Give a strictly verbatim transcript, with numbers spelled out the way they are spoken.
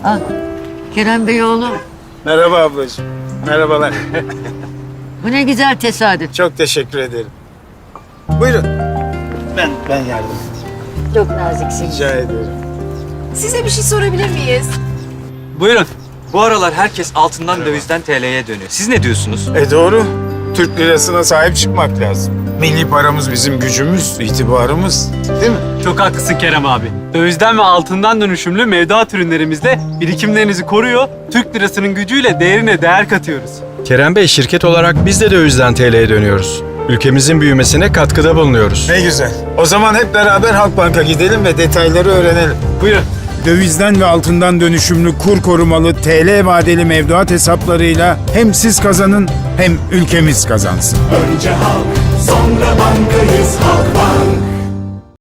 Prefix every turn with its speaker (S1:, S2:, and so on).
S1: Ah, Kerem Bey oğlum.
S2: Merhaba ablacığım. Merhabalar.
S1: Bu ne güzel tesadüf.
S2: Çok teşekkür ederim. Buyurun. Ben ben yardım edeyim.
S1: Çok naziksin.
S2: Rica ederim.
S3: Size bir şey sorabilir miyiz?
S4: Buyurun. Bu aralar herkes altından dövizden T L'ye dönüyor. Siz ne diyorsunuz?
S2: E doğru. Türk lirasına sahip çıkmak lazım. Milli paramız bizim gücümüz, itibarımız. Değil mi?
S5: Çok haklısın Kerem abi. Dövizden ve altından dönüşümlü mevduat ürünlerimizde birikimlerinizi koruyor, Türk lirasının gücüyle değerine değer katıyoruz.
S6: Kerem Bey, şirket olarak biz de dövizden T L'ye dönüyoruz. Ülkemizin büyümesine katkıda bulunuyoruz.
S2: Ne güzel. O zaman hep beraber Halkbank'a gidelim ve detayları öğrenelim.
S5: Buyurun.
S7: Dövizden ve altından dönüşümlü kur korumalı T L vadeli mevduat hesaplarıyla hem siz kazanın hem ülkemiz kazansın.
S8: Önce halk, sonra bankayız Halkbank.